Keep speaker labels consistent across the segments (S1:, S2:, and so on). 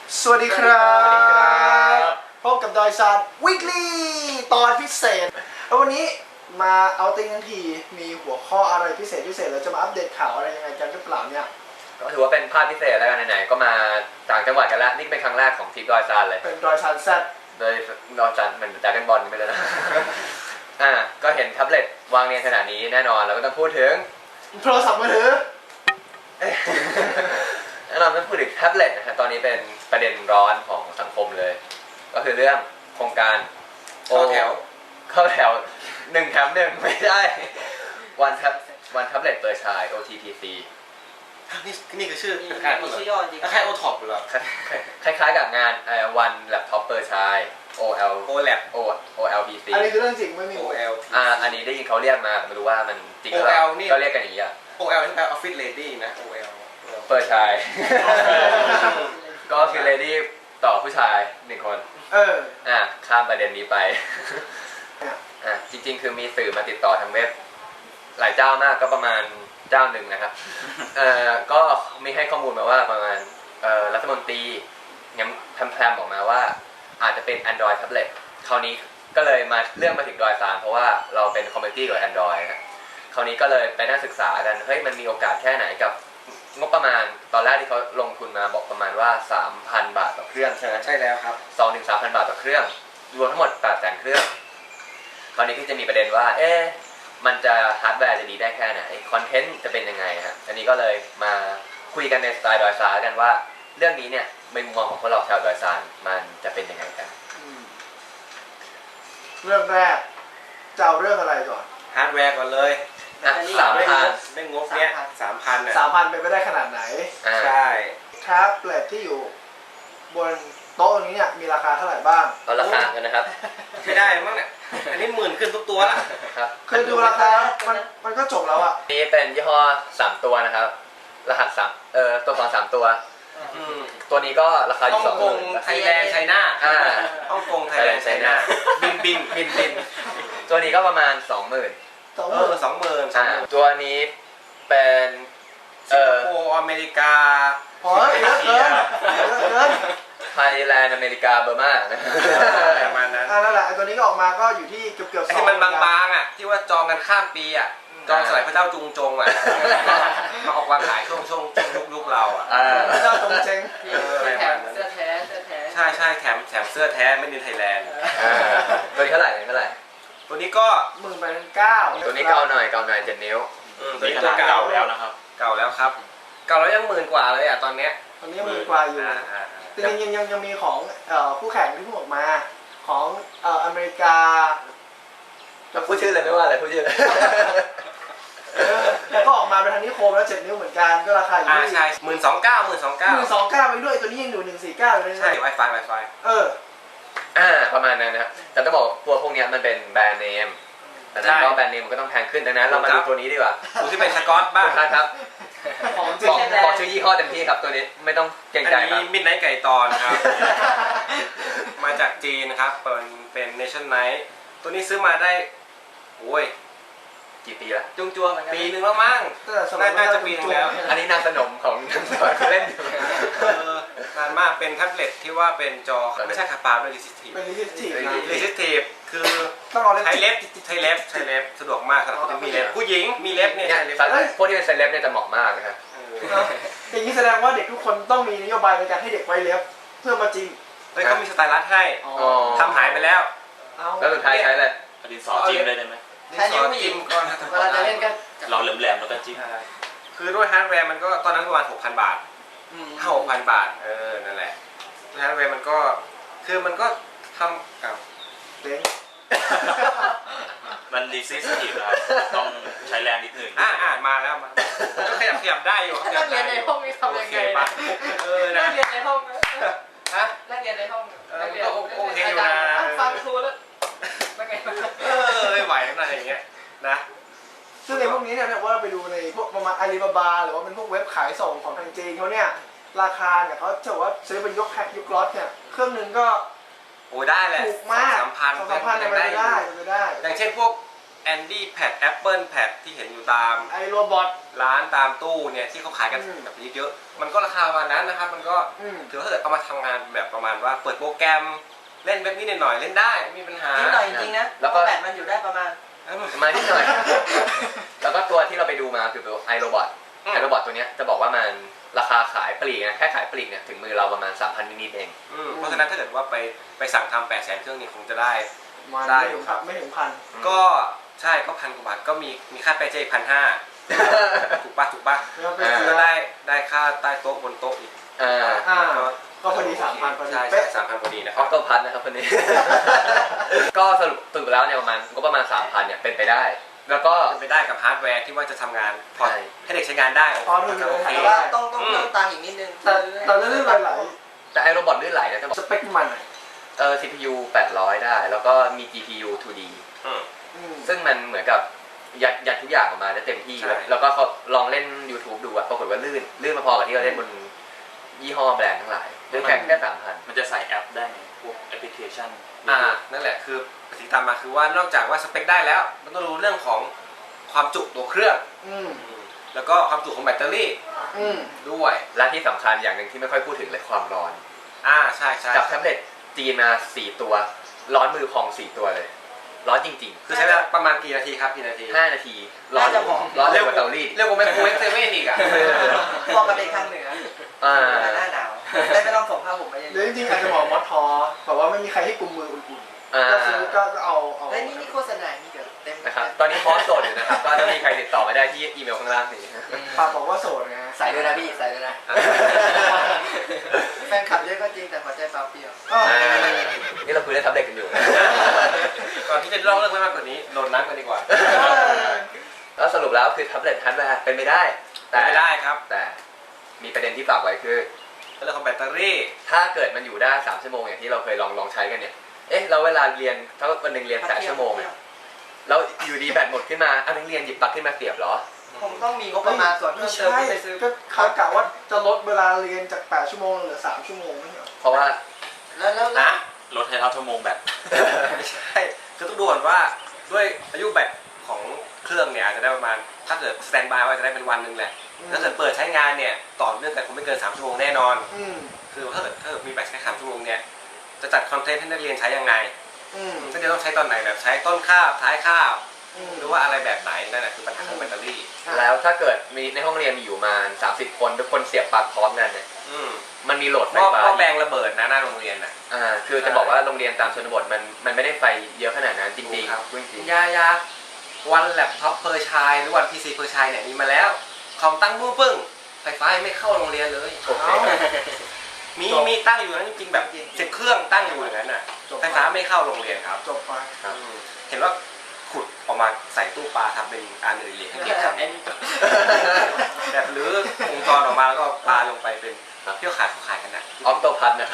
S1: สวัสดีครับพบกับดอยซานวีคลี่ตอนพิเศษแล้ววันนี้มาเอาติ้งทั้งทีมีหัวข้ออะไรพิเศษเราจะมาอัปเดตข่าวอะไรยังไงกันหรือเปล่าเนี่ย
S2: ก็ถือว่าเป็นภาพพิเศษแล้วกันไหนๆก็มาต่างจังหวัดกันแล้วนี่เป็นครั้งแรกของทริปดอยซานเลย
S1: เป็นดอยซานแซด
S2: โดยดอยซานเหมือนดราก้อนบอลไปเลยนะ ก็เห็นแท็บเล็ตวางเรียงขนาดนี้แน่นอนเราก็ต้องพูดถึง
S1: โทรศัพท์มือถือ
S2: แน่นอนต้องพูดถึงแท็บเล็ตนะฮะตอนนี้เป็นประเด็นร้อนของสังคมเลยก็คือเรื่องโครงการเข้าแถว1 แถม 1ไม่ได้วันแท็บเล็ตเปิดชาย OTPC
S3: นี่คือชื่อ
S4: มีชื่อย่อจริง
S3: คล้ายโอท็อปหรือเปล่า
S2: คล้ายๆกับงานวันแล็ปท็อปเปิดชาย OLPC
S1: อันนี้คือเรื่องจริงไม่มี
S3: OL
S2: อันนี้ได้ยินเขาเรียกมาไม่รู้ว่ามันจริงหรือเปล่าก็เรียกกันอย่างนี้อ่ะ
S3: OL ที่แปล Office Lady นะ OL
S2: เปิดชาย ก็คือ Lady ต่อผู้ชาย1 คนข้ามประเด็นนี้ไปจริงๆคือมีสื่อมาติดต่อทางเว็บหลายเจ้ามากก็ประมาณเจ้าหนึ่งนะครับก็มีให้ข้อมูลมาว่าประมาณรัฐมนตรีงั้นแพรมออกมาว่าอาจจะเป็น Android Tablet คราวนี้ก็เลยมาเรื่องมาถึงดอยซานเพราะว่าเราเป็นคอมมูนิตี้กับ Android นะคราวนี้ก็เลยไปนั่งศึกษากันเฮ้ยมันมีโอกาสแค่ไหนกับงบประมาณตอนแรกที่เขาลงทุนมาบอกประมาณว่า 3,000 บาทต่อเครื่องใช่ไหม
S3: ใช่แล้วครับ
S2: 2-3,000 บาทต่อเครื่องรวมทั้งหมด 800,000 เครื่องคราวนี้ก็จะมีประเด็นว่ามันจะฮาร์ดแวร์จะดีได้แค่ไหนคอนเทนต์จะเป็นยังไงฮะอันนี้ก็เลยมาคุยกันในสไตล์ดอยซานกันว่าเรื่องนี้เนี่ยในมุมมองของพวกเราชาวดอยซานมันจะเป็นยังไงกัน
S1: เรื่องแรกจะเอาเรื่องอะไรก่อน
S3: ฮาร์ดแวร์ก่อนเลย
S2: 3,000
S3: ได้งบเนี้ย
S1: 3,000เป็นไปได้ขนาดไหน
S3: ใช่
S1: แท็บเล็ตที่อยู่บนโต๊ะนี้เนี่ยมีราคาเท่าไหร่บ้าง
S2: เอาราคากันนะครับ
S3: ไม่ได้มั้งเนี่ยอันนี้10,000ขึ้นทุกตัวละ
S2: ครับ
S1: คือดูราคามันก็จบแล้วอ่ะ
S2: นี่เป็นยี่ห้อ3 ตัวนะครับรหัสตัว2 3 ตัวตัวนี้ก็ราคาอยู่
S3: ฮ่องกงไทยแลนด์ไชน่าฮ่องกงไทยแลนด์ไชน่าบิน
S2: ตัวนี้ก็ประมาณ 20,000
S3: 20,000
S2: ตัวนี้เป็น
S3: สิงคโปร์อเมริกา
S1: เยอะเกิน
S2: ไทยแลนด์อเมริกาเบอร์มา
S3: ประมาณนั้น
S1: นั่นแหละตัวนี้ก็ออกมาก็อยู่ที่เกือบ
S3: ที่มันบางๆอ่ะที่ว่าจองกันข้ามปีอ่ะจองสมัยพระเจ้าจุงจงอ่ะมาออกวางขายช่วงยุคเราอ่ะ
S1: พระเจ้าจงเจง
S4: แถมเสื้อแท้
S3: ใช่แถมเสื้อแท้ไม่ดินไทยแลนด์
S2: ตัวนี้เท่าไหร่
S3: ตัวนี้ก็
S1: 19,000
S2: ตัวนี้เก่าหน่อย7 นิ้ว
S3: ตัวนี้เก่าแล้วนะครับเก่าแล้วยัง10,000 กว่าเลยอ่ะตอนนี้
S1: 10,000 กว่าอยู่แต่ยังมีของผู้แข่งที่เพิ่งออกมาของอเมริกา
S2: จะพูดชื่อเลยไม่ว่าอะไรพูดชื่อเลย
S1: ก็ออกมาเป็นทางนิโคมแล้ว7 นิ้วเหมือนกันก็ราคาอยู่ที่
S3: ใช่12,900
S1: ไปด้วยตัวนี้ยังอยู่149อยู่เลย
S3: ใช่ Wi-Fi
S2: ประมาณนั้นนะครับแต่ต้องบอกตัวพวกนี้มันเป็นแบรนด์เนมแต่นั้นก็แบรนด์เนมมันก็ต้องแพงขึ้นดังนั้นเรามาดูตัวนี้ดีกว่า
S3: ดูที่เป็นสกอตบ้าง
S2: ครับบอกชื่อยี่ห้อเต็มที่ครับตัวนี้ไม่ต้องเกรงใจครับ
S3: อันนี้มิดไนท์ไก่ตอนครับมาจากจีนนะครับเป็นเนชั่นไนท์ตัวนี้ซื้อมาได้โอ้ย
S2: กี่ปีแล้ว
S4: จุงๆเหมือนกัน
S3: ปีนึงแล้วมั้งน่าจะปีนึงแล้ว
S2: อันนี้นางสนมของนางสอนเล่นอยู่
S3: นานมากเป็นแท็บเล็ตที่ว่าเป็นจอไม่ใช่คาปาเป็นรีซิสทีฟคือใช้เล็บสะดวกมากครับมีเล็บผู้หญิงมีเล็บเนี่ย
S2: พวกที่เป็นใช้เล็บเนี่ยจะเหมาะมากนะครับ
S1: อย่างนี้แสดงว่าเด็กทุกคนต้องมีนโยบายในการให้เด็กไว้เล็บเพื่อมาจริง
S3: เลยเขามีสไตลัสให้ทำหายไปแล้ว
S2: แล้วสุดท้ายใช้เลย
S5: ดินสอจิ้มได้ไหม
S4: ดินสอจิ้มก่อนเวลาจะเล่นก็
S5: เราแหลมๆแล้วก็จิ้ม
S3: คือด้วยฮาร์ดแวร์มันก็ตอนนั้นประมาณ 6,000 บาท6,000 บาทนั่นแหละฮาร์ดแวร์มันก็คือมันก็ทำ
S1: เด้ง
S5: มันรีซิสทีฟครับต้องใช้แรงนิดนึง
S3: มาแล้วก็ขยับได้อยู่
S4: นักเรียนในห้องนี่ทำยังไงนักเรียนในห้องนักเรียนในห้อง
S3: โอเคอยู่นะ
S4: ฟังครูแล้ว
S3: ไม่ไหวอะไรอย่างเงี้ยนะ
S1: ซึ่งในพวกนี้เนี่ยว่าเราไปดูในพวกประมาณอาลีบาบาหรือว่าเป็นพวกเว็บขายส่งของทางจีนเขาเนี่ยราคาเนี่ยเขาจะว่าซื้อเป็นยกแพ็คยกล็อตเนี่ยเครื่องนึงก็
S3: โอ้ได้แหละ
S1: ถูกมาก2,000เนี่ยไปได้
S3: อย่างเช่นพวก Andy Pad Apple Pad ที่เห็นอยู่ตาม
S1: ไอโรบอท
S3: ร้านตามตู้เนี่ยที่เขาขายกันแบบเยอะๆมันก็ราคาประมาณนั้นนะครับมันก็ถือว่าถ้าเกิดเอามาทำงานแบบประมาณว่าเปิดโปรแกรมเล่นเว็บนี้หน่อยๆเล่นได้ไม่มีปัญหา
S4: นิดหน่อยจริงๆนะแล้วก็แบตมันอยู่ได้ประมาณ
S2: มานิดหน่อย แล้วก็ตัวที่เราไปดูมาคือตัวไอโรบอทตัวเนี้ยจะบอกว่ามันราคาขายปลีกนะแค่ขายปลีกเนี่ยถึงมือเราประมาณ 3,000 นิดๆเอง
S3: เพราะฉะนั้นถ้าเกิดว่าไปสั่งทำ800,000 เครื่องนี้คงจะได้
S1: ได้อยู่ครับไม่ถึงพัน
S3: ก็ใช่ก็1,000 กว่าบาทก็มีค่าแปรเจอีก1,500ถูกปะก็ได้ค่าใต้โต๊ะบนโต๊ะอีก
S1: ก็พอดี 3,000 พอดี
S3: ใช่3,000 พอดีนะค
S2: อ
S3: รั
S2: อบ โต้พัทนะครับคนนี้ ก็สรุปแล้วเนี่ยประมาณ 3,000 เนี่ยเป็นไปได้แล้วก็
S3: เป็นไปได้กับฮาร์ดแวร์ที่ว่าจะทำงานพอให้เด็กใช้งานได้
S1: พอดูเลย
S4: แต่ว่าต้องเพิ่มตังค์อีกนิดนึง
S1: แต่เรื่องไหล
S2: แต่ไอโรบอทลื่นไหลนะจะบอก
S1: สเปคมัน
S2: CPU 800 ได้แล้วก็มี GPU 2D ซึ่งมันเหมือนกับยัดทุกอย่างออกมาได้เต็มที่แล้วก็เขาลองเล่น YouTube ดูอะปรากฏว่าลื่นมาพอกับที่เราเล่นบนยี่ห้อแบรนด์ทั้งหลายด้วยแค่ 3,000
S5: มันจะใส่แอปได้ไหมพวกแอปพลิเคชัน
S3: นั่นแหละคือสิ่งตามมาคือว่านอกจากว่าสเปคได้แล้วมันต้องรู้เรื่องของความจุตัวเครื่องแล้วก็ความจุของแบตเตอรี่ด้วย
S2: และที่สำคัญอย่างหนึ่งที่ไม่ค่อยพูดถึงเลยความร้อน
S3: ใช่
S2: กับแท็บเล็ตจีนมา4 ตัวร้อนมือพอง4 ตัวเลยร้อนจริงๆ
S3: คือใช้เวลาประมาณกี่นาทีครับ5
S2: นาทีร้อนเร็วกว่าเตารีด
S3: เร็วกว่าไมโครเวฟเซเว่นอีก
S4: พอกับเด็กข้างเหนือหน้าหนาวไม่ต้องส่งผ้าห่มมาเยอะ
S1: หรือจริงๆอาจจะบอกมอสทอแบบว่าไม่มีใครให้กุมมืออุ่นๆก็ซื้อก็เอา
S4: แล้วนี่โฆษณานี่เดี๋ยวเต็ม
S2: นะครับตอนนี้พอสโสดอยู่นะครับก็ถ้ามีใครติดต่อมาได้ที่อีเมลข้างล่างนี้
S1: ฝากบอกว่าโสดนะ
S4: ใส่ด้วยนะพี่ใส่ด้วยนะแฟนคลับเยอะก็จริงแต่หัวใจเปล่าเปลี่ยว
S2: นี่เราคุยเรื่องแท็บเล็ตกันอยู่
S3: ก่อนที่จะเล่าเรื่องมากกว่านี้โดนนัดกันดีกว่า
S2: แล้วสรุปแล้วคือแท็บเล็ตฮาร์ดแวร์เป็นไม่ได้
S3: ครับ
S2: แต่มีประเด็นที่ฝากไว้คือ
S3: เรื่องของแบตเตอรี่
S2: ถ้าเกิดมันอยู่ได้3 ชั่วโมงอย่างที่เราเคยลองใช้กันเนี่ยเราเวลาเรียนถ้าวันนึงเรียน8 ชั่วโมงเนี่ยแล้วอยู่ดีแบตหมดขึ้นมานักเรียนหยิบปลั๊กขึ้นมาเสียบเหรอ
S4: คงต้องมีงบประมาณส่วนเพิ่มเติมไปซื้อ
S1: ก็เขากะว่าจะลดเวลาเรียนจาก8 ชั่วโมงเหลือ3 ชั่วโมงไม่เหรอ
S2: เพราะว่า
S4: แล้ว
S3: นะ
S5: ลดให้เท่าชั่วโมงแบต
S3: ไม่ใช่คือต้องดูก่อนว่าด้วยอายุแบตของเครื่องเนี่ยอาจจะได้ประมาณถ้าเกิดสแตนด์บายว่าจะได้เป็นวันนึงแหละถ้าเกิดเปิดใช้งานเนี่ยต่อเนื่องกันคงไม่เกิน3 ชั่วโมงแน่นอนคือถ้าเกิดมีแบตแค่3 ชั่วโมงเนี่ยจะจัดคอนเทนต์ให้นักเรียนใช้ยังไงนักเรียนต้องใช้ตอนไหนแบบใช้ต้นคาบท้ายคาบหรือว่าอะไรแบบไหนนั่นแหละคือปัญหาของแบตเตอรี่
S2: แล้วถ้าเกิดมีในห้องเรียนมีอยู่มา30 คนทุกคนเสียบปลั๊กพร้อมกันเนี่ยมันมีโหลดไฟฟ้า
S3: ก็แบงระเบิดนะหน้าโรงเรียนน่ะ
S2: คือจะบอกว่าโรงเรียนตามชนบทมันไม่ได้ไฟเยอะขนาดนั้นจริงๆ
S3: ครับยาวันแล็ปท็อปเพอร์ชายหรือวันพีซีเพอร์ชายเนี่ยมีมาแล้วคอมตั้งบู้ปึ้งไฟฟ้าไม่เข้าโรงเรียนเลยมีตั้งอยู่นั้นจริงๆแบบ10 เครื่องตั้งอยู่อย่างนั้นน่ะไฟฟ้าไม่เข้าโรงเรียนครับ
S1: จบไป
S3: เห็นว่าขุดออกมาใส่ตู้ปลาทำเป็นการเรียนให้เด็กทำแบบหรือวงจรออกมาแล้วก็ปลาลงไปเป็นเที่ยวขายกันนะ
S2: ออโต้พัทนะ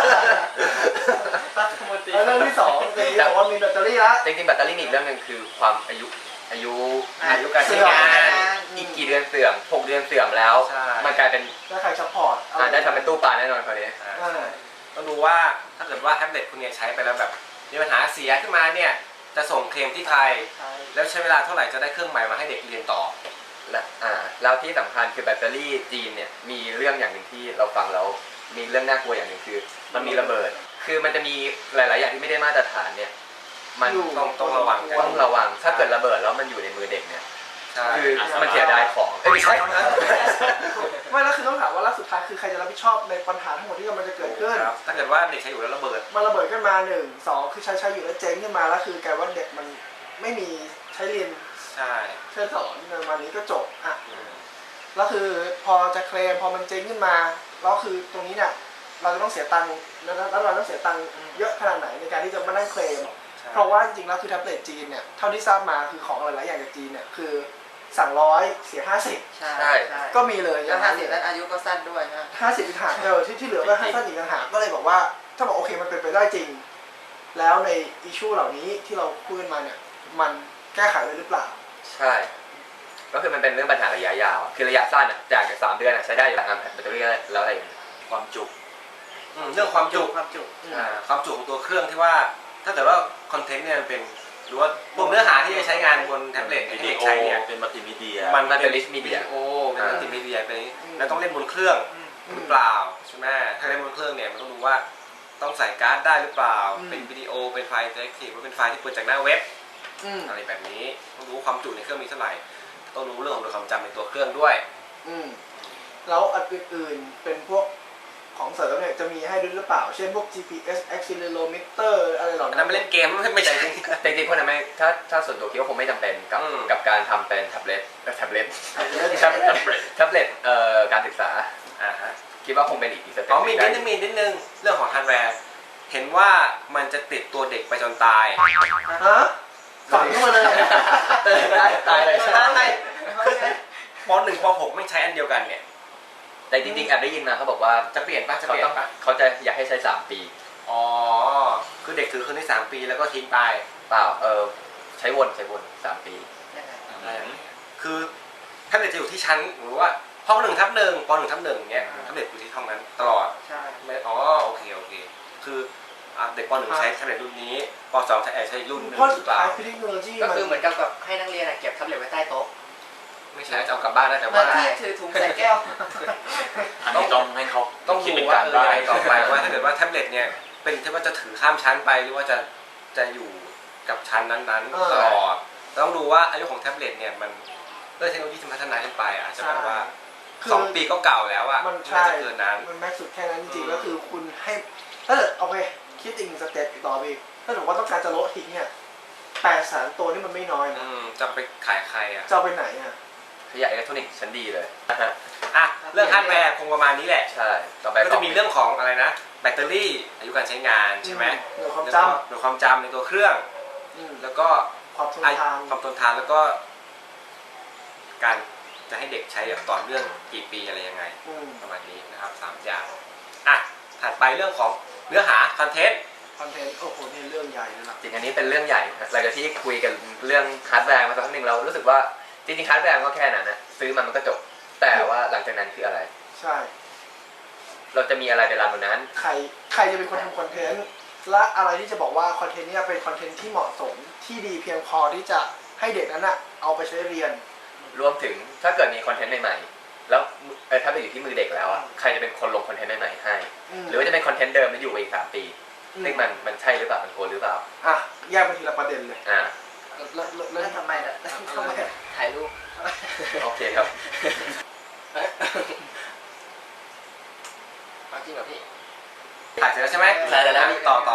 S1: เรื่องที่2เป็นที่บอกว่ามีแบตเตอรี่ละ
S2: จริงๆแบตเตอรี่อีกเรื่องนึงคือความอายุการใช้งานอีกกี่เดือนเสื่อม6 เดือนเสื่อมแล้วมันกลายเป็น
S1: ถ้าใครซัพพอร์ต
S2: ได้ทำเป็นตู้ปลาแน่นอนคราวนี้
S3: ต้องดูว่าถ้าเกิดว่าแท็บเล็ตคุณเนี่ยใช้ไปแล้วแบบมีปัญหาเสียขึ้นมาเนี่ยจะส่งเคลมที่ใครแล้วใช้เวลาเท่าไหร่จะได้เครื่องใหม่มาให้เด็กเรียนต่อ
S2: แล้วที่สำคัญคือแบตเตอรี่จีนเนี่ยมีเรื่องอย่างหนึ่งที่เราฟังแล้วมีเรื่องน่ากลัวอย่างหนึ่งคือมันมีระเบิดคือมันจะมีหลายๆอย่างที่ไม่ได้มาตรฐานเนี่ยมัน
S3: ต้องระวัง
S2: ถ้าเกิดระเบิดแล้วมันอยู่ในมือเด็กเนี่ยคือมันเสียดายของไม่ใช่
S1: ไม่แล้วคือต้องถามว่าแล้วสุดท้ายคือใครจะรับผิดชอบในปัญหาทั้งหมดที่มันจะเกิดขึ้น
S3: ถ้าเกิดว่าเด็กใช้อยู่แล้วระเบิด
S1: มันระเบิดขึ้นมา1 2คือใช้อยู่แล้วเจ๊งขึ้นมาแล้วคือกลายว่าเด็กมันไม่มีใช้เรียนใช้สอนในวันนี้ก็จบแล้วคือพอจะเคลมพอมันเจ๊งขึ้นมาแล้วคือตรงนี้เนี่ยเราจะต้องเสียตังค์แล้วเราต้องเสียตังค์เยอะขนาดไหนในการที่จะมานั่งเคลมเพราะว่าจริงๆแล้วคือแท็บเล็ตจีนเนี่ยเท่าที่ทราบมาคือของหลายๆอย่างจากจีนเนี่ยคือสั่ง100เสีย50
S4: ใช่
S1: ก็มีเลย
S4: อย่าง50แล้วอายุก็สั้นด้วยนะ
S1: 50อีกหากที่เหลือก็สั้นอีกหากก็เลยบอกว่าถ้าบอกโอเคมันเป็นไปได้จริงแล้วในอิชชูเหล่านี้ที่เราพูดมาเนี่ยมันแก้ไขได้หรือเปล่า
S2: ใช่ก็คือมันเป็นเรื่องปัญหาระยะยาวคือระยะสั้นจาก3 เดือนใช้ได้อยู่แล้วแบตเตอรี่แล้วอะไร
S5: ความจุ
S3: เรื่องความจุของตัวเครื่องที่ว่าถ้าเกิดว่าคอนเทนต์เนี่ยมันเป็นหรือว่าพวกเนื้อหาที่จะใช้งานบนแท็บเล็ตที่เด็กใช้เนี่ย
S5: เป็นมัลติมีเดีย
S3: มัน
S2: มันเป็น
S3: วิ
S2: rich media
S3: ดีโอเป็นมัลติมีเดียเป็นแล้วต้องเล่นบนเครื่องหรือเปล่าใช่ไหมถ้าเล่นบนเครื่องเนี่ยมันต้องดูว่าต้องใส่การ์ดได้หรือเปล่าเป็นวิดีโอเป็นไฟล์อินเทอร์แอคทีฟหรือเป็นไฟล์ที่เปิดจากหน้าเว็บอะไรแบบนี้ต้องรู้ความจุในเครื่องมีเท่าไหร่ต้องรู้เรื่องของความจำในตัวเครื่องด้วย
S1: แล้วอันอื่นๆเป็นพวกของเสริมเนี่ยจะมีให้ด้วยหรือเปล่าเช่นพวก GPS accelerometer อะไรเหล่า
S3: อัน
S1: นั้
S3: นั้น นไม่เล่นเกมไม่ใช่
S2: แต่จริงๆพวกนั้นไม่ถ้าส่วนตัวคิดว่าคงไม่จำเป็นกับการทำเป็นแท็บเล็ตแท็บเล็ตการศึกษาคิดว่าคงเป็นอีกสเต็ป
S3: มีนิดนึงเรื่องของฮาร์ดแวร์เห็นว่ามันจะติดตัวเด็กไปจนตาย
S1: ฮะฝังเข้ามาเลย
S2: ตายเลย
S3: ใช่ป .1 ป .6 ไม่ใช้อันเดียวกันเนี่ย
S2: แต่จริงๆแอบได้ยินมาเขาบอกว่า
S3: จะเปลี่ยนปะ
S2: เขาจะอยากให้ใช้3 ปี
S3: อ๋อคือเด็กถือคืนได้3 ปีแล้วก็ทิ้งไป
S2: เปล่าใช้วน3 ปี
S3: คือแท็บเล็ตจะอยู่ที่ชั้นหรือว่าห้อง1/1ป .1/1 เงี้ยแท็บเล็ตอยู่ที่ห้องนั้นตลอด
S4: ใช่
S3: ไม่โอเคคือเด็กป .1 ใช้แท็บเล็ตรุ่นนี้ป .2 ใช้รุ่นนึง
S1: เพราะ
S3: ห
S1: สุ
S3: รื
S1: ด
S3: อเป
S1: ท้า
S3: ล่าย
S1: คือเทคโนโลยี
S4: ก็
S1: มัน
S4: คือเหมือนกับให้นักเรียนเก็บแท็บเล็ตไว้ใต้โต๊ะ
S3: ไม่ใช่จะเอากลับบ้านนะแต่
S4: เหมื
S3: ว่า
S4: อนที่ถือถุงใส่แก้ว
S5: อันนี้ต้องให้เขา
S3: ต้อง
S5: คิด
S3: ดู
S5: เป็น
S3: ว่า
S5: การบ้าน
S3: ต่อไปว่าถ้าเกิดว่าแท็บเล็ตเนี่ยเป็นที่ว่าจะถือข้ามชั้นไปหรือว่าจะอยู่กับชั้นนั้นๆตลอดต้องดูว่าอายุของแท็บเล็ตเนี่ยมันเทคโนโลยีที่พัฒนาขึ้นไปอาจจะแบบว่า2 ปีก็เก่าแล้วอ่ะ
S1: มัน
S3: น่า
S1: ใช่
S3: จะเกินนั้น
S1: มันแม็กซ์สุดแค่นั้นจริงๆก็คือคุณให้ถ้าเกิดโอเคคิดอีก1 สเต็ปต่อไปอีกถ้าเกิดว่าต้องการจะลดทิ้งเนี่ย800,000 ตัวนี่มันไม่น้อยนะ
S3: จะไปขายใครอ่ะ
S1: จะเอาไปไหนอ่ะ
S2: ขยะอิเล็กทรอนิกส์ชั้นดีเลย
S3: อ่ะเรื่องฮาร์ดแวร์คงประมาณนี้แหละ
S2: ใช่ต่อไป
S3: ก็จะมีเรื่องของอะไรนะแบตเตอรี่อายุการใช้งานใช่ไหม
S1: หน่วยความ
S3: แล้ว
S1: จ
S3: ก็หน่วยความจำในตัวเครื่อง
S1: ำ
S3: แล้วก็
S1: ความทนทาน
S3: ความทนทานแล้วก็ การจะให้เด็กใช้แบบต่อเนื่องกี่ปีอะไรยังไง ประมาณนี้นะครับ3 อย่างอ่ะถัดไปเรื่องของเนื้อหาคอนเทนต์
S1: คอนเทนต์โอ้โหนี่เรื่องใหญ่เลยนะ
S2: จริงอันนี้เป็นเรื่องใหญ่หลังจากที่คุยกันเรื่องฮาร์ดแวร์มาสักพักหนึ่งเรารู้สึกว่าจริงๆฮาร์ดแวร์ก็แค่นั้นนะซื้อมันก็จบแต่ว่าหลังจากนั้นคืออะไร
S1: ใช่
S2: เราจะมีอะไรในรันบนนั้น
S1: ใครจะเป็นคนทำคอนเทนต์และอะไรที่จะบอกว่าคอนเทนต์เนี่ยเป็นคอนเทนต์ที่เหมาะสมที่ดีเพียงพอที่จะให้เด็กนั้นอะเอาไปใช้เรียน
S2: รวมถึงถ้าเกิดมีคอนเทนต์ใหม่ๆแล้วถ้าไปอยู่ที่มือเด็กแล้วอ่ะใครจะเป็นคนลงคอนเทนต์ใหม่ๆให้หรือว่าจะเป็นคอนเทนต์เดิมที่อยู่ไปอีก3 ปีซึ่งมันใช่หรือเปล่ามันควรหรือเปล่า
S1: อ่ะแยกไปทีละประเด็นเลย
S4: แล้
S1: เริ่
S4: ว
S1: ม
S4: ทำไมล่ะทำไมถ่ายรูป
S2: โอเคครับ
S4: จริงเหรอพี่
S3: ถ่ายเสร็จแล้วใช่ไหม
S2: ถ่ายเสร็จแล้ว
S3: ต่อ
S2: ต่อ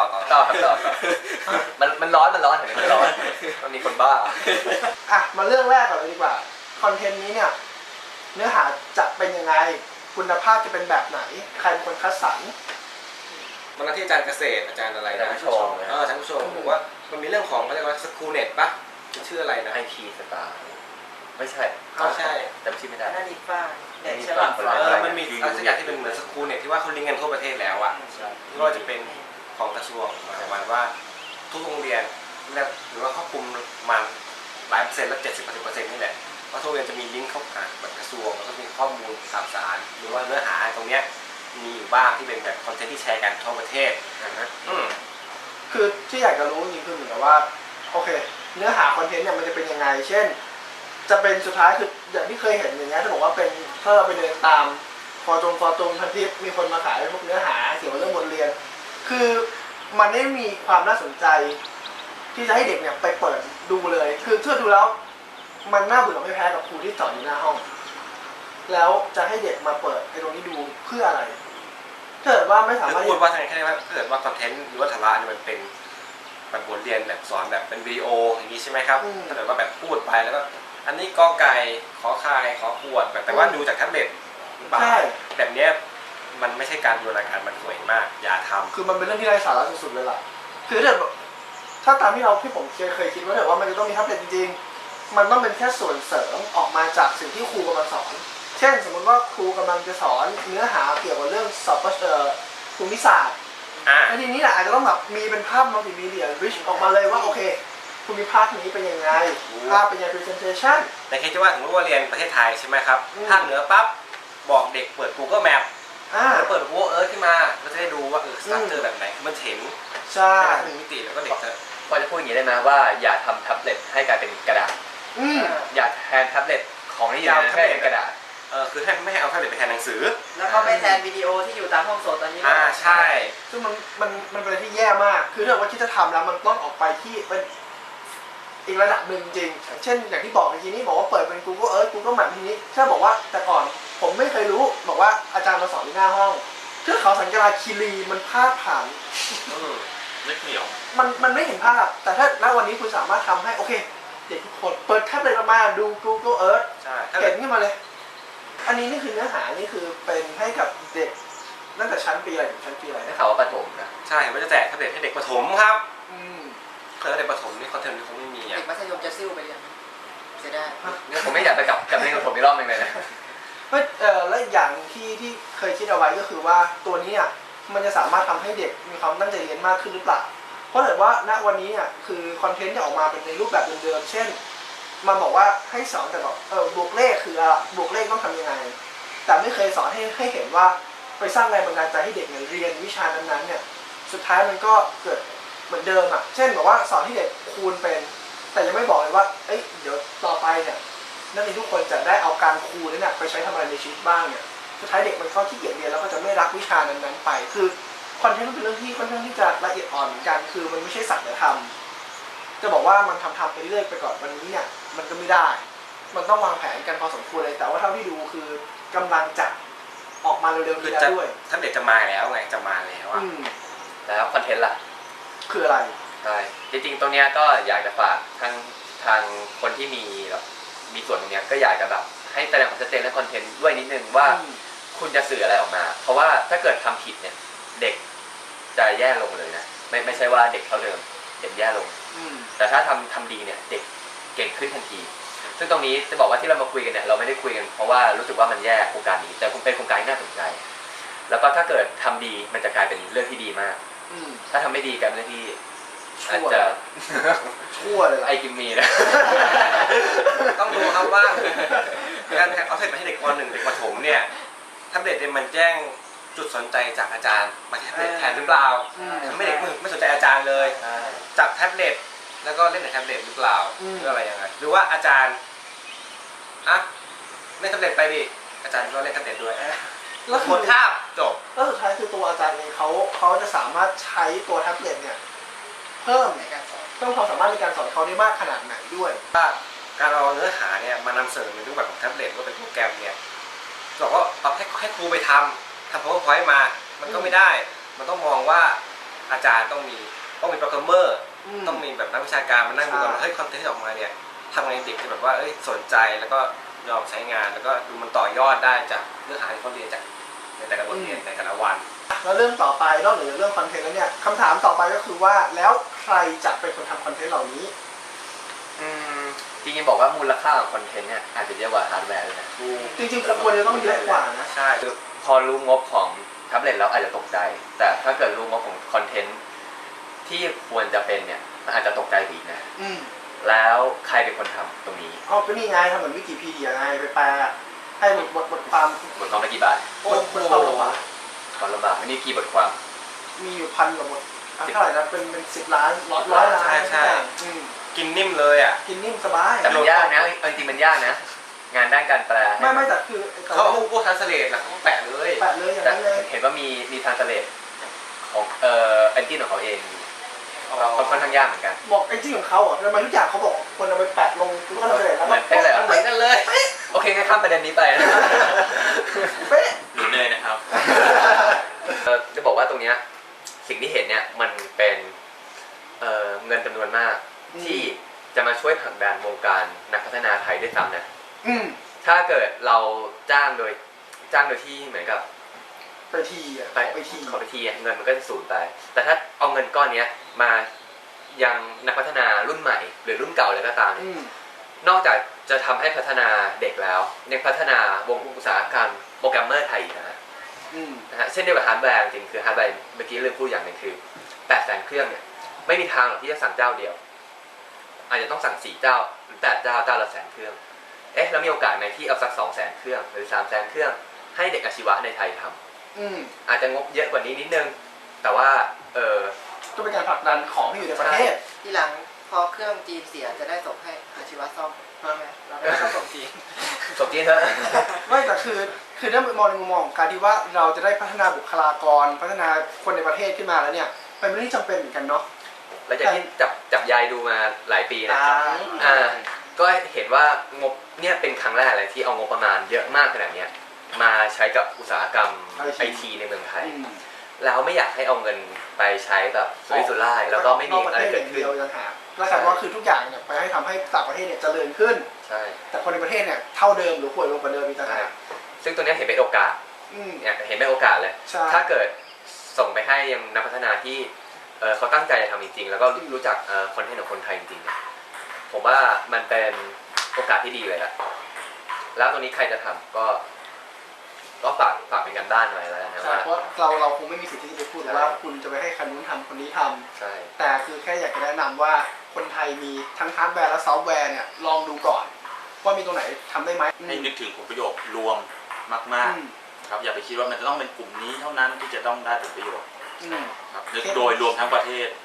S2: มันร้อนเห็นไหมมันร้อนมันมีคนบ้า
S1: อ่ะมาเรื่องแรกก่อนเลยดีกว่าคอนเทนต์นี้เนี่ยเนื้อหาจะเป็นยังไงคุณภาพจะเป็นแบบไหนใครเป็นคนคัดสรร
S3: วันนั้นที่อาจารย์เกษตรอาจารย์อะไรนะ
S2: อาจารย์ผู้ชม
S3: อาจารย์ผู้ชมบอกว่ามันมีเรื่องของเขาเรียกว่าสกูเน็ตปะชื่ออะไรนะ
S2: ไอทีสตาร์ไม่ใช่
S3: ใช่
S2: จำชื่อไม่ได้
S4: นั่นอีฟ้าเด็กฉ
S2: ฟ้า
S4: ลาด
S2: คนละ
S3: มันมีอะไรสักอย่างที่เป็นเหมือนสกูเน็ตที่ว่าเขาลิงก์กันทั่วประเทศแล้วอ่ะไม่ว่าจะเป็นของกระทรวงประมาณว่าทุกโรงเรียนหรือว่าครอบคลุมมาหลายเปอร์เซ็นต์แล้ว70-80%นี่แหละว่าทุกโรงเรียนจะมีลิงก์เข้าหาแบบกระทรวงแล้วก็มีข้อมูลข่าวสารหรือว่าเนื้อหาตรงเนี้ยมีอยู่บ้างที่เป็นแบบคอนเทนต์ที่แชร์กันทั่วประเทศ
S1: คือที่อยากจะรู้จริงๆคือเหมือนกับว่าโอเคเนื้อหาคอนเทนต์เนี่ยมันจะเป็นยังไงเช่นจะเป็นสุดท้ายคืออย่างที่เคยเห็นอย่างเงี้ยที่บอกว่าเป็นถ้าเราไปเดินตามฟอร์ตรงพันทิปมีคนมาขายพวกเนื้อหาเกี่ยวกับเรื่องบทเรียนคือมันไม่มีความน่าสนใจที่จะให้เด็กเนี่ยไปเปิดดูเลยคือถ้าดูแล้วมันน่าเบื่อไม่แพ้กับครูที่สอนอยู่หน้าห้องแล้วจะให้เด็กมาเปิดไอ้ตรงนี้ดูเพื่ออะไรถ้าเกิดว่าไม่สามารถ
S3: พูดว่าทางแค่ว่าถ้าเกิดว่าคอนเทนต์หรือว่าสาระเนี่ยมันเป็นแบบบทเรียนแบบสอนแบบเป็นวิดีโออย่างนี้ใช่ไหมครับถ้าเกิดว่าแบบพูดไปแล้วก็อันนี้กอไก่ขอไข่ขอขวดแบบแต่ว่าดูจากแท็บเล็ตหรือเปล่าแบบเนี้ยมันไม่ใช่การบูรณาการมันสวยมากอย่าทำ
S1: คือมันเป็นเรื่องที่ไร้สาระสุดๆเลยล่ะคือถ้าตามที่ผมเคยคิดว่าแต่ว่ามันจะต้องมีแท็บเล็ตจริงๆมันต้องเป็นแค่ส่วนเสริมออกมาจากสิ่งที่ครูกำลังสอนเช่นสมมติว่าครูกำลังจะสอนเนื้อหาเกี่ยวกับเรื่องสอบภูมิศาสตร์แล้วทีนี้แหละอาจจะต้องแบบมีเป็นภาพมัลติมีเดียริชออกมาเลยว่าโอเคภูมิภาคนี้เป็นยังไงภาพเป็นยังไง presentation
S3: แต่คิดว่าสมมติว่าเรียนประเทศไทยใช่ไหมครับภาคเหนือปั๊บบอกเด็กเปิด Google Map แล้วเปิด Google Earth ขึ้นมาก็จะได้ดูว่าสตรัคเจอร์แบบไหนมันเห็น
S1: ใช่
S3: 1 มิติแล้วก็เด็กจะ
S2: พอจะพูดอย่างนี้ได้ไหมว่าอย่าทำแท็บเล็ตให้กลายเป็นกระดาษ อย่าแทนแท็บเล็ตของที่อยู่ในนั้นให้เป็นกระดาษ
S3: คือให้ไม่ให้เอาแท็บเล็ตไปแทนหนังสือ
S4: แล้วก็ไปแทนวิดีโอที่อยู่ตามห้องสดตอนนี้
S3: ใช่
S1: ซึ่งมันเป็นอะไรที่แย่มากคือถ้าว่าคิดจะทำแล้วมันต้องออกไปที่เป็นอีกระดับหนึ่งจริงเช่นอย่างที่บอกเมื่อกี้นี้บอกว่าเปิดเป็น Google Earth Google Map ทีนี้ถ้าบอกว่าแต่ก่อนผมไม่เคยรู้บอกว่าอาจารย์มาสอนที่หน้าห้องเทือกเขาสันกราคีรีมันพาดผ่าน
S5: นึกไม่ออก
S1: มันไม่เห็นภาพแต่ถ้าณวันนี้คุณสามารถทำให้โอเคเด็กทุกคนเปิดแท็บเล็ตมาดู Google Earth เห็นขึ้นมาเลยอันนี้นี่คือเนื้อหานี่คือเป็นให้กับเด็กตั้งแต่ชั้นปีอะไรถึงชั้นปีอะไร
S2: ได้ข่าวว่าประถมนะ
S3: ใช่ว่าจะแจกแท็บเล็ตให้เด็กประถมครับเคยเด็กประถมนี่คอนเทนต์นี่คงไม่มี
S4: เด็กมัธยมจะซิ่วไปยังเสียดาย
S2: เนี่ยผมไม่อยากไปกลับเรียนประถมอีกรอบนึงเลยนะ
S1: และอย่างที่เคยคิดเอาไว้ก็คือว่าตัวนี้อ่ะมันจะสามารถทำให้เด็กมีความตั้งใจเรียนมากขึ้นหรือเปล่าเพราะเกิดว่าณวันนี้เนี่ยคือคอนเทนต์จะออกมาเป็นในรูปแบบเดิมๆเช่นมันบอกว่าให้สอนแต่แบบบวกเลขคืออะไรบวกเลขต้องทำยังไงแต่ไม่เคยสอนให้เห็นว่าไปสร้างแรงบันดาลใจให้เด็กเรียนวิชานั้นๆเนี่ยสุดท้ายมันก็เกิดเหมือนเดิมอ่ะเช่นบอกว่าสอนให้เด็กคูณเป็นแต่ยังไม่บอกเลยว่าเดี๋ยวต่อไปเนี่ยนักเรียนทุกคนจะได้เอาการคูณนั้นเนี่ยไปใช้ทำอะไรในชีวิตบ้างเนี่ยสุดท้ายเด็กมันก็ขี้เกียจเรียนแล้วก็จะไม่รักวิชานั้นๆไปคือคอนเทนต์มันเป็นเรื่องที่ค่อนข้างที่จะละเอียดอ่อนเหมือนกันคือมันไม่ใช่สักแต่ทำจะบอกว่ามันทำไปเรื่อยไปก่อนวันนี้เนี่ยมันก็ไม่ได้มันต้องวางแผนกันพอสมควรเลยแต่ว่าเท่าที่ดูคือกำลังจะออกมาเร็วๆนี้แล้วด้วย
S3: ถ้าเด็กจะมาแล้วไงจะมาแล้วอ่ะ
S2: แล้วคอนเทนต์ล่ะ
S1: คืออะไร
S2: ใช่จริงๆตรงเนี้ยก็อยากจะฝากทางคนที่มีแบบมีส่วนตรงเนี้ยก็อยากจะแบบให้แสดงความชัดเจนและคอนเทนต์ด้วยนิดนึงว่าคุณจะสื่ออะไรออกมาเพราะว่าถ้าเกิดทำผิดเนี่ยเด็กจะแย่ลงเลยนะไม่ใช่ว่าเด็กเท่าเดิมเด็กแย่ลงแต่ถ้าทำดีเนี่ยเด็กเก่งขึ้นทันทีซึ่งตรงนี้จะบอกว่าที่เรามาคุยกันเนี่ยเราไม่ได้คุยกันเพราะว่ารู้สึกว่ามันแย่โครงการนี้แต่คงเป็นโครงการที่น่าสนใจแล้วก็ถ้าเกิดทำดีมันจะกลายเป็นเรื่องที่ดีมากถ้าทำไม่ดีกลายเป็นเรื่องที่อาจจะ
S1: ชั่วเลย
S2: ไอกิมมีนะ
S3: ต้องดูครับว่าการเอาเสร็จมาให้เด็กป .1 เด็กประถมเนี่ยแท็บเล็ตเนี่ยมันแจ้งจุดสนใจจากอาจารย์มาแท็บเล็ตแทนหรือเปล่าทำให้เด็กไม่สนใจอาจารย์เลยจับแท็บเล็ตแล้วก็เล่นในแท็บเล็ตหรือเปล่าหรืออะไรยังไงหรือว่าอาจารย์เล่นแท็บเล็ตไปดิอาจารย์ก็เล่นแท็บเล็ตด้วย
S1: แล้ว
S3: หมดคาบจบ
S1: แล้วสุดท้ายคือตัวอาจารย์เองเขาจะสามารถใช้ตัวแท็บเล็ตเนี่ยเพิ่มความสามารถในการสอนเขาได้มากขนาดไหนด้วย
S3: ว่าการเอาเนื้อหาเนี่ยมานำเสนอในรูปแบบของแท็บเล็ตว่าเป็นโปรแกรมเนี่ยบอกว่าเอาให้ครูไปทำ PowerPoint มามันก็ไม่ได้มันต้องมองว่าอาจารย์ต้องมีโปรแกรมเมอร์ต้องมีแบบนักวิชาการมานั่งดูกันว่าเฮ้ยคอนเทนต์ที่ออกมาเนี่ยทำไงเด็กจะแบบว่าสนใจแล้วก็ยอมใช้งานแล้วก็ดูมันต่อยอดได้จากเนื้อหาที่เขาเรียนจากในแต่ละบทเรียนในแต่ละวัน
S1: แล้วเรื่องต่อไปนอกเหนือจากเรื่องคอนเทนต์แล้วเนี่ยคำถามต่อไปก็คือว่าแล้วใครจะเป็นคนทำคอนเทนต์เหล่านี้
S2: จริงๆบอกว่ามูลค่าของคอนเทนต์เนี่ยอาจจะเยอะกว่าฮาร์ดแวร์เลยนะ
S1: จริงๆควรจะต้องเยอะกว่านะ
S2: ใช่คือพอรู้งบของแท็บเล็ตแล้วอาจจะตกใจแต่ถ้าเกิดรู้งบของคอนเทนต์ที่ควรจะเป็นเนี่ยมันอาจจะตกใจอีกนะแล้วใครเป็นคนทำตรงนี้
S1: ก็นี่ไงทำเหมือนวิกิพีเดียไงไปแปลให้บทความ
S2: ละกี่บาท
S1: บทความละบาท
S2: ความละบาทนี่กี่บทความ
S1: มีอยู่1,000 กว่าบทเท่าไหร่นะเป็น10 ล้าน100 ล้าน
S3: ใช่กินนิ่มเลยอ่ะ
S1: กินนิ่มสบาย
S2: แต่มันยากนะจริงๆมันยากนะงานด้านการแปล
S1: ไม่แต่คือ
S3: เขาพวกทรานสเลทแล้วเขาแปะเลย
S1: อย่างนั้นเลย
S2: เห็นว่ามีทรานสเลทของเอนจินของเขาเองค่อนข้างยากเหมือนกัน
S1: บอกเอนจินของเขาอ่ะทำไมทุกอย่างเขาบอกคนเอาไปแปะลงทรานสเลทแล้ว
S2: เหมือนกันเลยโอเคงั้นข้ามประเด็นนี้ไป
S1: เป๊ะ
S5: หรือเลยนะครับ
S2: จะบอกว่าตรงเนี้ยสิ่งที่เห็นเนี่ยมันเป็นเงินจำนวนมากที่จะมาช่วยผลักดันวงการนักพัฒนาไทยได้ซ้ำนะถ้าเกิดเราจ้างโดยที่เหมือนกับ
S1: ไปที
S2: เงินมันก็จะสูญไปแต่ถ้าเอาเงินก้อนนี้มายังนักพัฒนารุ่นใหม่หรือรุ่นเก่าเลยก็ตามนอกจากจะทำให้พัฒนาเด็กแล้วยังพัฒนาวงอุตสาหกรรมโปรแกรมเมอร์ไทยนะฮะเช่นเดียวกับฮาร์ดแวร์จริงคือฮาร์ดแวร์เมื่อกี้ลืมพูดอย่างหนึ่งคือ800,000 เครื่องเนี่ยไม่มีทางหรอกที่จะสั่งเจ้าเดียวอาจจะต้องสั่ง4 เจ้าหรือ8 เจ้าละ100,000 เครื่องแล้วมีโอกาสไหมที่เอาสัก200,000 เครื่องหรือ300,000 เครื่องให้เด็กอาชีวะในไทยทำอาจจะงบเยอะกว่านี้นิดนึงแต่ว่า
S1: ก็เป็นการผลักดันของที่อยู่ในประเทศ
S4: ทีหลังพอเครื่องจีนเสียจะได้ส่งให้อาชีวะซ่อมใช่ไหมเราได้ส่งจีน
S2: จบจีนเถอะ
S1: ไม่แต่คือถ้ามองในมุมมองของการที่ว่าเราจะได้พัฒนาบุคลากรพัฒนาคนในประเทศขึ้นมาแล้วเนี่ยเป็นเรื่องที่จำเป็นเหมือนกันเนาะ
S2: แล้วจากที่จับยายดูมาหลายปีนะ ก็เห็นว่างบเนี่ยเป็นครั้งแรกเลยที่เอางบประมาณเยอะมากขนาดเนี้ยมาใช้กับอุตสาหกรรมไอทีในเมืองไทย แล้วไม่อยากให้เอาเงินไปใช้แบบสุรุ่ยสุร่ายแล้วก็ไม่มีอะไรเกิดขึ้น
S1: แล้วแต่ว่าคือทุกอย่างเนี่ยไปให้ทำให้ต่างประเทศเนี่ยเจริญขึ้น
S2: ใช่
S1: แต่คนในประเทศเนี่ยเท่าเดิมหรือป่วยลงกว่าเดิมอีกต่างหาก
S2: ซึ่งตัวเนี้ยเห็นเป็นโอกาสเนี่ยเห็นเป็นโอกาสเลย ถ้าเกิดส่งไปให้ยังนักพัฒนาที่เขาตั้งใจจะทำจริงๆแล้วก็รู้จักคอนเทนต์ของคนไทยจริงๆเนี่ยผมว่ามันเป็นโอกาสที่ดีเลยละแล้วตรงนี้ใครจะทำก็ฝากเป็นกันด้านหน่อยแล้วนะว่า
S1: เพราะเราคงไม่มีสิทธิ์ที่จะไปพูดว่าคุณจะไปให้คนนู้นทำคนนี้ทำ
S2: ใช่
S1: แต่คือแค่อยากจะแนะนำว่าคนไทยมีทั้งฮาร์ดแวร์และซอฟต์แวร์เนี่ยลองดูก่อนว่ามีตรงไหนทำได้ไหม
S5: ให้นึกถึงผลประโยชน์รวมมากๆครับอย่าไปคิดว่ามันจะต้องเป็นกลุ่มนี้เท่านั้นที่จะต้องได้ผลประโยชน์ครับนึกโดยรวมทั้งประเทศ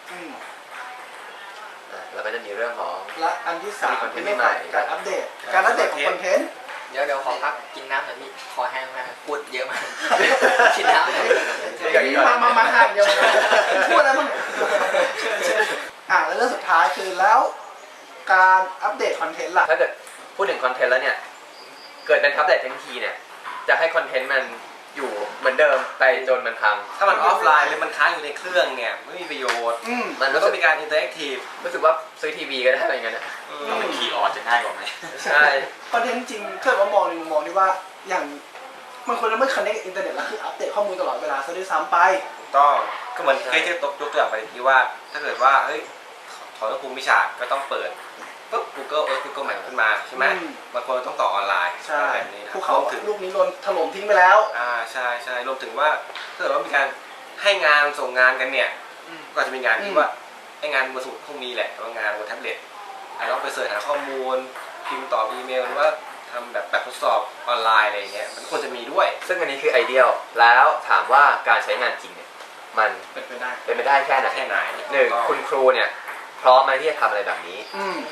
S2: แล้วก็จะมีเรื่องของ
S1: และอันที่3เป็นเรื่องของการอัปเดตของคอนเทนต์
S4: เดี๋ยวขอพักกินน้ำหน่อยพี่คอแห้งมากพูดเยอะมากกินน้ำหน่อย
S1: มาห่างเดียวพูดอะไรบ้างแล้วเรื่องสุดท้ายคือแล้วการอัปเดตคอนเทนต์ล่ะ
S2: ถ้าเกิดพูดถึงคอนเทนต์แล้วเนี่ยเกิดเป็นอัปเดตทันทีเนี่ยจะให้คอนเทนต์มันอยู่เหมือนเดิมไปจนมันพัง
S3: ถ้ามันออฟไลน์หรือมันค้างอยู่ในเครื่องเนี่ยไม่มีประโยชน์มันต้องมีการอินเตอร์แอคทีฟ
S2: รู้สึกว่าซื้อทีวีก็ได้อะไรเงี้ยนะ
S5: ต้องเป็นคีย์ออดจะง่ายกว่าไหม
S2: ใช่
S1: คอนเทนต์จริงเกิดว่ามองในมุมมองที่ว่าอย่างมันควรจะไม่คอนเนคกับอินเทอร์เน็ตแล้วคืออัปเดตข้อมูลตลอดเวลาซะด้วยซ้ำไป
S3: ต้องก็เหมือนเคยที่ยกตัวอย่างไปที่ว่าถ้าเกิดว่าเฮ้ยถอนภูมิวิชาก็ต้องเปิดปุ๊บ Google Map ขึ้นมาใช่ไหมบางคนต้องต่อออนไลน์
S1: ใช่
S3: แบบนี้นะ
S1: ภูเขาลูกนี้โดนถล่มทิ้งไปแล้ว
S3: ใช่รวมถึงว่าถ้าเกิดว่ามีการให้งานส่งงานกันเนี่ยก็จะมีงานที่ว่าให้งานบนสมุดพวกนี้แหละแต่ว่างานบนแท็บเล็ตต้องไปเสิร์ชหาข้อมูลพิมพ์ตอบอีเมลหรือว่าทำแบบทดสอบออนไลน์อะไรเงี้ยมันควรจะมีด้วย
S2: ซึ่งอันนี้คือไอเดียลแล้วถามว่าการใช้งานจริงเนี่ยมัน
S1: เป็นไป
S2: ได้แค่ไหนหนึ่งคุณครูเนี่ยพร้อมไหมที่จะทำอะไรแบบนี้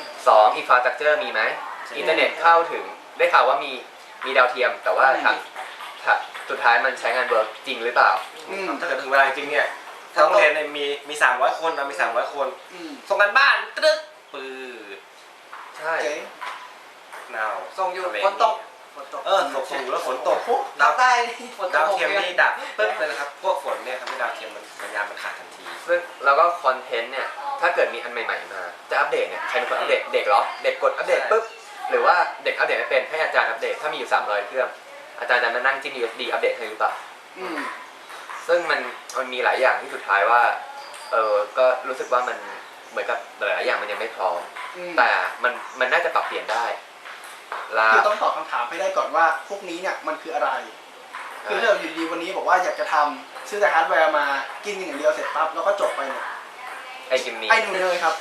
S2: 2อินฟราสตรัคเจอร์มีไหมอินเทอร์เน็ตเข้าถึงได้ข่าวว่ามีดาวเทียมแต่ว่าทางสุดท้ายมันใช้งานเวิร์กจริงหรือเปล่า
S3: ถ้าเกิดถึงเวลาจริงเนี่ยทั้งโรงเรียนมี300 คนมี300 คนส่งกันบ้านตึ๊ดปืด
S2: ใช่
S3: หนาว
S4: ส่งอยู่ฝนตก
S3: ส่งอยู่แล้วฝนตก
S4: ดาวใต้
S3: ดาวเทียมนี่ดับปึ๊บเลยนะครับพวกฝนเนี่ยทำให้ดาวเทียมมันสัญญาณมันขาดทันที
S2: ซึ่งแล้วก็คอนเทนต์เนี่ยถ้าเกิดมีอันใหม่ๆมาจะอัปเดตเนี่ยใครเป็นคนอัปเดตเด็กเหรอเด็กกดอัปเดตปุ๊บหรือว่าเด็กอัปเดตไม่เป็นให้อาจารย์อัปเดตถ้ามีอยู่300เครื่องอาจารย์จะมานั่งจิ้ม USB อัปเดตให้หรือเปล่าซึ่งมันมีหลายอย่างที่สุดท้ายว่าก็รู้สึกว่ามันเหมือนกับหลายอย่างมันยังไม่พร้อมแต่มันน่าจะปรับเปลี่ยนได้
S1: คือต้องตอบคำถามให้ได้ก่อนว่าพวกนี้เนี่ยมันคืออะไรคือถ้าเราอยู่ดีวันนี้บอกว่าอยากจะทำซื้อแต่ฮาร์ดแวร์มากินอย่างเดียวเสร็จปั๊บแล้วก็จบไปเนี่ย
S2: ไอ้กินนี้
S1: ไอ้หนูเนยครับ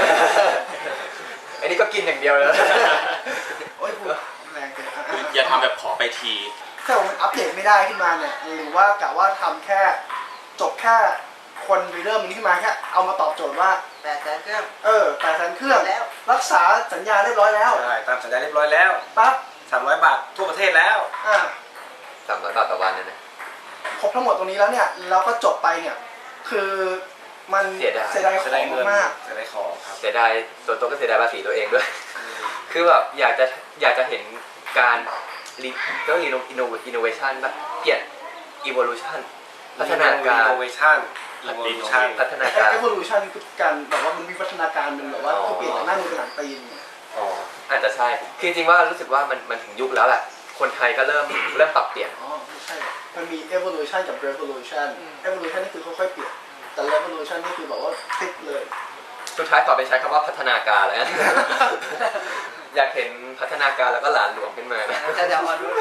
S2: ไอ้นี่ก็กินอย่างเดียวเลย
S1: โอ้ยพูดแรงเกิน
S5: อย่าทำแบบขอไปที
S1: ถ้ามันอัปเดตไม่ได้ขึ้นมาเนี่ยหรือว่ากะว่าทำแค่จบแค่คนไปเริ่มมันขึ้นมาแค่เอามาตอบโจทย์ว่า
S4: 800,000 เครื่อง
S1: 800,000 เครื่องแล้วรักษาสัญญาเรียบร้อยแล้ว
S3: ใช่ตามสัญญาเรียบร้อยแล้ว
S1: ปั๊บ
S3: 300 บาททั่วประเทศแล้ว
S2: 300 บาทต่อวันนะ
S1: ครบทั้งหมดตรงนี้แล้วเนี่ยแล้วก็จบไปเนี่ยคือมัน
S2: เสียดาย
S1: ของมาก
S3: เสียดายของครับ
S2: เสียดายตัวก็เสียดายภาษีตัวเองด้วยคือแบบอยากจะเห็นการก็innovation แบบเปลี่ยน evolution พัฒนาการ
S3: innovation
S2: พัฒนาการ
S1: evolution คือการแบบว่ามันมีพัฒนาการมันแบบว่าคือเปลี่ยนจากหน้ามือเป็นหลังตีน
S2: อาจจะใช่คือจริงว่ารู้สึกว่ามันถึงยุคแล้วแหละคนไทยก็เริ่มปรับเปลี่ยน
S1: ไม่ใช่มันมี evolution กับ revolution evolution นี่คือค่อยๆเปลี่ยนแต่ revolution นี่คือแบบว่าพลิกเลย
S2: สุดท้ายขอไปใช้คำว่าพัฒนาการแล้วอยากเห็นพัฒนาการแล้วก็หลานหลวงขึ้นมานะ
S4: จะอ่อนด้วย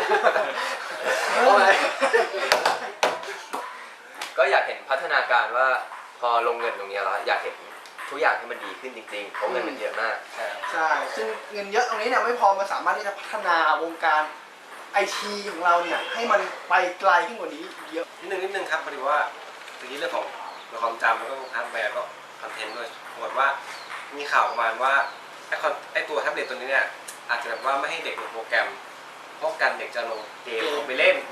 S2: ก็อยากเห็นพัฒนาการว่าพอลงเงินตรงนี้แล้วอยากเห็นทุกอย่างให้มันดีขึ้นจริงๆเพราะเงินมันเยอะมาก
S1: ใช่ซึ่งเงินเยอะตรงนี้เนี่ยไม่พอมันสามารถที่จะพัฒนาวงการไอทีของเราเนี่ยให้มันไปไกลขึ้นกว่านี้เยอะ
S3: นิดนึงครับพอดีว่าทีนี้เรื่องของความจำแล้วก็ฮาร์ดแวร์ก็คอนเทนต์ด้วยปรากฏว่ามีข่าวประมาณว่าไอ้ตัวแท็บเล็ตตัวนี้เนี่ยอาจจะแบบว่าไม่ให้เด็กลงโปรแกรมเพราะกันเด็กจะลงเกมลงไปเล่น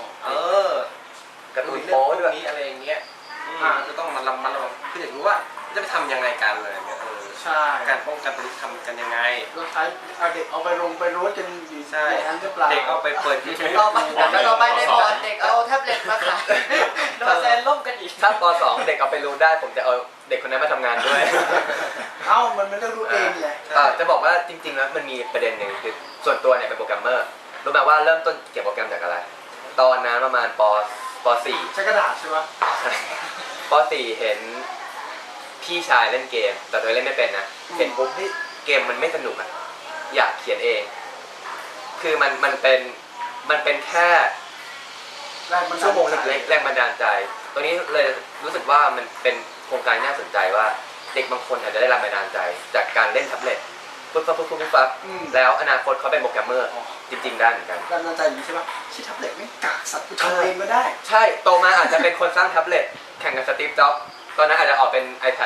S2: การ์ตูน
S3: เรื่อ
S2: โป๊
S3: งพว
S2: ด้วย
S3: กนี้อะไรอย่างเงี้ยจะต้องมาระวังคืออยากรู้ว่าจะไปทำยังไงกันเลยเนี่ย
S1: ใช่
S3: การป้องกันตัวนี้ทำกันยังไง
S1: เราใช้เอาเด็กเอาไปลงไปรูดกันอยู่
S3: ใช่
S1: อย่างนั้นหรือเปล่า
S3: เด็กเอาไปเปิดยูทูบ
S4: ต่อไปในบอร์ดเด็กเอาแท็บเล็ตมาขายโดนแซนล่มกันอีก
S2: ถ้าป .2 เด็กเอาไปรู้ได้ผมจะเอาเด็กคนนั้นมาทำงานด้วย
S1: มันไม่เลือกรู้เองไง
S2: จะบอกว่าจริงๆแล้วมันมีประเด็นหนึ่งคือส่วนตัวเนี่ยเป็นโปรแกรมเมอร์รู้ไหมว่าเริ่มต้นเขียนโปรแกรมจากอะไร ตอนนั้นประมาณป .4
S1: ใช้กระดาษใช่ไหม
S2: ป .4 เห็นพี่ชายเล่นเกมแต่ตัวเองเล่นไม่เป็นนะเห็นปุ๊บที่เกมมันไม่สนุกอ่ะอยากเขียนเอง คือมันเป็นแค่ชั่วโมงเล็กๆแรงบันดาลใจตัวนี้เลยรู้สึกว่ามันเป็นโครงการน่าสนใจว่าเด็กบางคนอาจจะได้แรงบันดาลใจจากการเล่นแท็บเล็ตปุ๊บแล้วอนาคตเขาเป็นโปรแกรมเมอร์จริงๆได้เหมือนกัน
S1: แรงบันดาลใจอย่างนี้ใช่ปะที่แท็บเล็ตไม่กากสัตว์กูทำเองก็ได้
S2: ใช่โตมาอาจจะเป็นคนสร้างแท็บเล็ตแข่งกับสตีฟจ็อบส์ตอนนั้นอาจจะออกเป็น iPad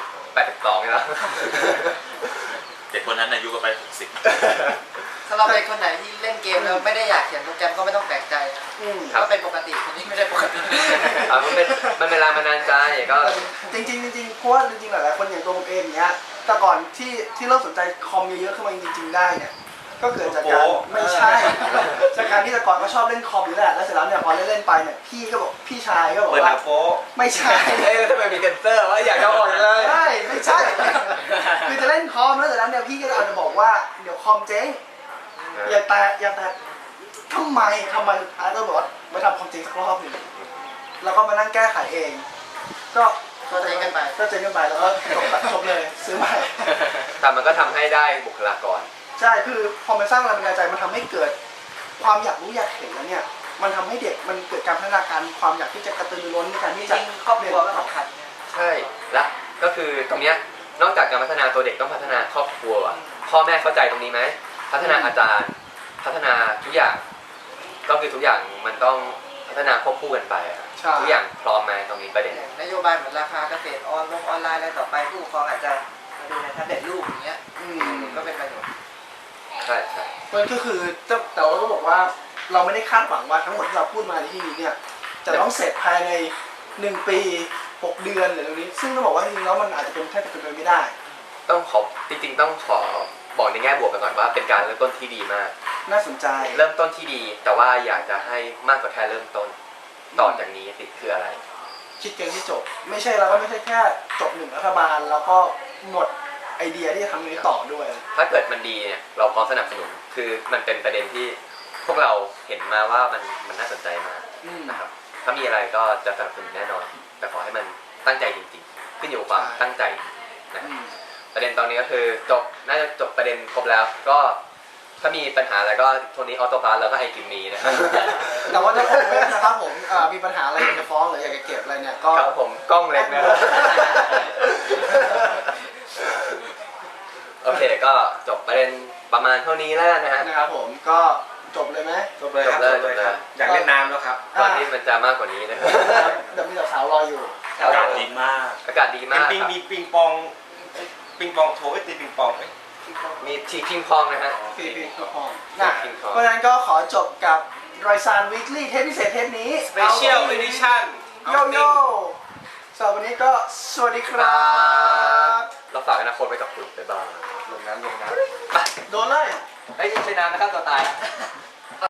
S2: 82นี่แล้ว
S5: เด็กคนนั้นอายุก็ไป60
S4: สำหรับเด็กคนไหนที่เล่นเกมแล้วไม่ได้อยากเขียนโปรแกรมก็ไม่ต้องแปลกใจก็เป็นปกติคนนี้ไม่ได้ปกติ
S2: มันเป็นแรงบันดาลใจก็
S1: จริงเพราะว่าจริงๆหลายๆคนอย่างตัวผมเองเนี้ยแต่ก่อนที่เริ่มสนใจคอมเยอะๆขึ้นมาจริงๆได้เนี่ยก็เกิดจากการไม่ใช่จากการที่แต่ก่อนก็ชอบเล่นคอมอยู่แหละแล้วเสร็จแล้วเนี่ยพอเล่นไปเนี่ยพี่ชายก็บอกว่าไม่ใช่
S2: ทำไมมีเซนเซอร์ว่าอยากจะออกเลย
S1: ใช่ไม่ใช่คือจะเล่นคอมแล้วเสร็จแล้วเนี่ยพี่ก็อาจจะบอกว่าเดี๋ยวคอมเจ๊งอย่าแตะทำไมสุดท้ายก็บอกว่ามาทำคอมเจ๊งสักรอบหนึ่งแล้วก็มานั่งแก้ไขเองก็เจ๊งกันไปแล้วก็จบเลยซื้อใหม่
S2: แต่มันก็ทำให้ได้บุคลากร
S1: ใช่คือพอมันสร้างแรงบันดาลใจมันทำให้เกิดความอยากรู้อยากเห็นแล้วเนี่ยมันทำให้เด็กมันเกิดการพัฒนาการความอยากที่จะกระตือรือร้นในการที่จะ
S4: ครอบครัวก็สำคัญ
S2: ใช่และก็คือตรงเนี้ยนอกจากการพัฒนาตัวเด็กต้องพัฒนาครอบครัวพ่อแม่เข้าใจตรงนี้ไหมพัฒนาอาจารย์พัฒนาทุกอย่างก็คือทุกอย่างมันต้องพัฒนาควบคู่กันไปทุกอย่างพร้อมไหมตรงนี้ประเด็น
S4: นโยบายเหมือนราคาเกษตรออนไลน์อะไรต่อไปผู้ปกครองอาจจะมาดูในแท็บเล็ตลูกอย่างเงี้ยก็เป็นประโยชน์
S2: ใช่
S1: มันก็คือแต่เราก็บอกว่าเราไม่ได้คาดหวังว่าทั้งหมดที่เราพูดมาในที่นี้เนี่ยจะต้องเสร็จภายใน1 ปี6 เดือนหรืออะไรนี้ซึ่งต้องบอกว่าจริงๆแล้วมันอาจจะเป็นแทบจะเป็นไปไม่ได้
S2: ต้องขอจริงๆต้องขอบอกในแง่บวกกันก่อนว่าเป็นการเริ่มต้นที่ดีมาก
S1: น่าสนใจ
S2: เริ่มต้นที่ดีแต่ว่าอยากจะให้มากกว่าแค่เริ่มต้นต่อจากนี้สิคืออะไร
S1: คิดกันที่จบไม่ใช่เราก็ไม่ใช่แค่จบ1 รัฐบาลแล้วก็หมดไอเดียที่จะทำนี้ต่อด้วย
S2: ถ้าเกิดมันดีเนี่ยเราพร้อมสนับสนุนคือมันเป็นประเด็นที่พวกเราเห็นมาว่ามันน่าสนใจมากนะครับถ้ามีอะไรก็จะสนับสนุนแน่นอนแต่ขอให้มันตั้งใจจริงๆขึ้นอยู่กับความตั้งใจนะประเด็นตอนนี้ก็คือน่าจะจบประเด็นครบแล้วก็ถ้ามีปัญหาอะไรก็โทนี้ออโต้พาร์ทแล้วก็ไอกิมมีนะครับ
S1: แต่ว่าถ้าผมนะครับผมมีปัญหาอะไรอยากจะฟ้องหรืออยากจะเก็บอะไรเนี่ยก็
S2: ครับผมกล้องเล็กนะครับโอเคก็จบประเด็นประมาณเท่านี้แล้ว
S1: นะครับผมก็จบเลยไหม
S3: จบเลยครับอยากเล่นน้ำแล้วครับ
S2: ตอนนี้มันจะมากกว่านี้นะครับ
S1: เดี๋ยวมีสาวรออยู่
S5: อากาศดีมาก
S3: มีปิงปองโถตีปิงปอง
S2: มีทีพิงพองนะฮะ
S1: ทีพิงพองเพราะฉะนั้นก็ขอจบกับรอยซานวีคลี่เทปพิเศษเทปนี้
S3: Special Edition
S1: โยโย่สำหรับวันนี้ก็สวัสดีครับ
S2: เราฝากอนาคตไว้กับคุณบ๊ายบาย
S3: ลงน้ำ
S1: โดนเลย
S2: ไม่ใช่น้ำนะครับตัวตาย